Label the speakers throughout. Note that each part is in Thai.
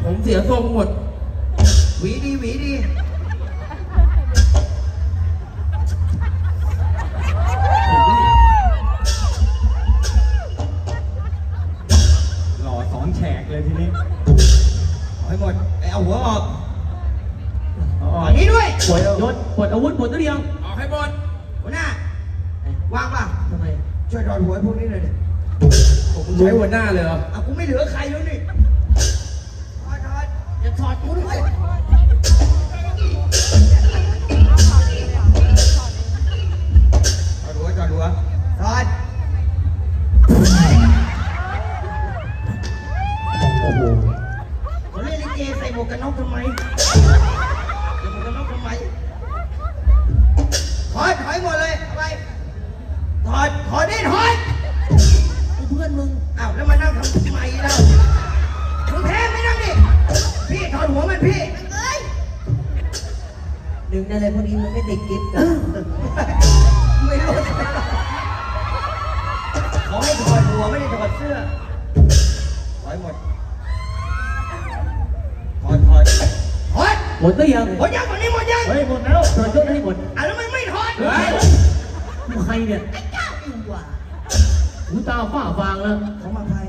Speaker 1: ผมเสียทรงหมด
Speaker 2: หวีดีหวีดี
Speaker 3: หล่อสองแฉกเลยทีนี้
Speaker 2: เอาให้หมดเอาหัวออก
Speaker 3: อ๋อ
Speaker 2: อันนี้ด้วย
Speaker 3: ปวดยศปวดอาวุธปวดตัวเดียว
Speaker 1: ออกให้หมด
Speaker 2: หัวหน้าวางป่ะ
Speaker 4: ทำไม
Speaker 2: ช่วยถอดหัวให้พวกนี้หน่อยดิ
Speaker 1: ผมใช้หัวหน้าเลยเหรอ
Speaker 2: เอากูไม่เหลือใครแล้วนี่ถอดอย่าถอดกูด้วยถอดหัวถอดหัวถอด
Speaker 3: โอ้โห
Speaker 2: เขาเล่นลิเกใส่หมวกกันน็อกทำไมใส่หมวกกันน็อกทำไมถอดหมดเลยเอาไปถอดดิถอดไอ้เพื่อนมึงอ้าวแล้วมานั่งทำทำไมเล่ามึงแพ้ไม่นั่งดิพี่ถอดหัวมันพี่เอ้ย
Speaker 4: ดึงได้เลยพวกนี้มันไม่ติดกิ๊บกัน
Speaker 2: ไม่รู้เขาให้ถอดหัวไม่ได้ถอดเสื้อถอดหมดถอด
Speaker 3: หมดหรือยัง
Speaker 2: หมดยังตอนนี้หมดยัง
Speaker 3: เฮ้ยหมดแล้วถอดยศให้หมด
Speaker 2: อ่ะแล้วมันไม่ถอด
Speaker 1: เฮ้ย
Speaker 3: ใครเนี่ย
Speaker 2: ไอ้เจ้าอยู่ว่ะ
Speaker 3: หูตาฝ้าฟางแล้ว
Speaker 2: เขามาใคร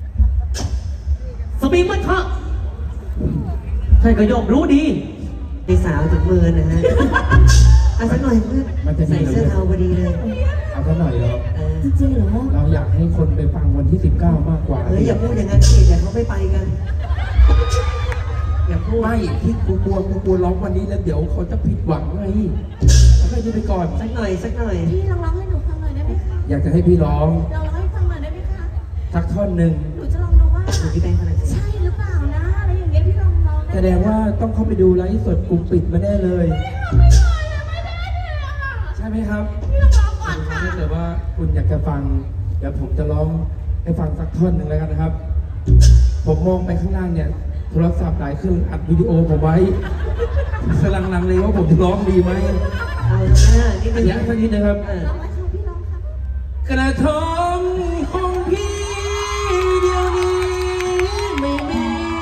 Speaker 3: สมิงมันคะใช่ก็ย่อมรู้ดี
Speaker 4: ตีสาวถึงมือนะฮะเอาสักหน่อยเพื่อนใส่เสื้อเทาพอดีเลย
Speaker 1: เอาซะหน่อยเหรอ
Speaker 4: จริงเหรอ
Speaker 1: เราอยากให้คนไปฟังวันที่ 19 มากกว่า
Speaker 4: เฮ้ยอย่าพูดอย่างนั้นสิเดี๋ยวเขาไม่ไปกัน อย่าพูด
Speaker 1: ไม่ที่กูกลัวร้องวันนี้แล้วเดี๋ยวเขาจะผิดหวังไงแล้วให้ดูไปก่อน
Speaker 4: สักหน่อย
Speaker 5: พี่ลองร้องให้หนูฟังหน่อยได้ไหมคะ
Speaker 1: อยากจะให้พี่ร้อง
Speaker 5: ลองร้องให้ฟังหน่อยได้ไหมคะ
Speaker 1: สักท่อนหนึ่ง
Speaker 5: หนูจะลองดูว่า
Speaker 4: อยู่ที่แบงค์ขนาดนี้
Speaker 5: ใช่หรือเปล่านะอะไรอย่างเงี้ยพี่ลองร้อง
Speaker 1: แสดงว่าต้องเข้าไปดูไลฟ์สดกลุ่มปิดมาแน่เลย ใช่ไหมครับ
Speaker 5: พี่ลองร้องก่อนค่ะ
Speaker 1: ถ้าเกิดว่าคุณอยากจะฟังเดี๋ยวผมจะร้องให้ฟังสักท่อนหนึ่งแล้วกันนะครับ ผมมองไปข้างล่างเนี่ยโทรศัพท์หลายเครื่องอัดวิดีโอผมไว้กำลังลังเลยว่าผมจะร้องดีไหม
Speaker 4: เอาหน้านิดนึง
Speaker 1: เสียงสักนิดนะครับ
Speaker 5: ร้องไหมคะพี่ร้องค่ะ
Speaker 1: กระทงของพี่เดียวนี้ไม่มี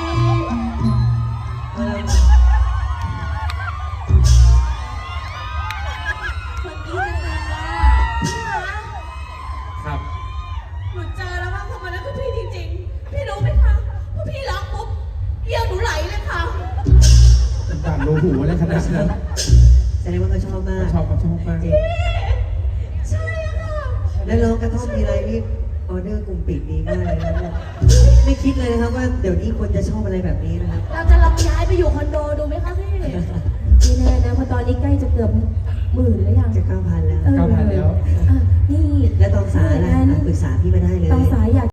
Speaker 5: คนนี้นานๆละพี่คะ
Speaker 1: ครับ
Speaker 5: หนูเจอแล้วว่าคนคนนั้นคือพี่จริงๆพี่รู้ไหมคะพอพี่ร้องปุ๊บเยี่ยวหนูไหลเลยค่ะ
Speaker 1: ด่านโลหูอะไรขนาดนั้น
Speaker 4: แสดงว่าเขาชอบมาก
Speaker 1: ชอบมาก
Speaker 4: จริง
Speaker 5: ใช่ค่ะ
Speaker 4: แล้วร้องกระท่อมทีไรนี่ออเดอร์กลุ่มปิดดีมากเลยนะเนี่ยไม่คิดเลยนะครับว่าเดี๋ยวนี้คนจะชอบอะไรแบบนี้นะครับ
Speaker 5: เราจะลองย้ายไปอยู่คอนโดดูไหมคะพี่ไม่แน่นะเพราะตอนนี้ใกล้จะเกือบ10,000แล้วยัง
Speaker 4: จะ9,000แล้ว
Speaker 1: 9,000แล้ว
Speaker 5: นี่
Speaker 4: แล้วตองสายล่ะปรึกษาพี่มาได้เลย
Speaker 5: ตองสายอยาก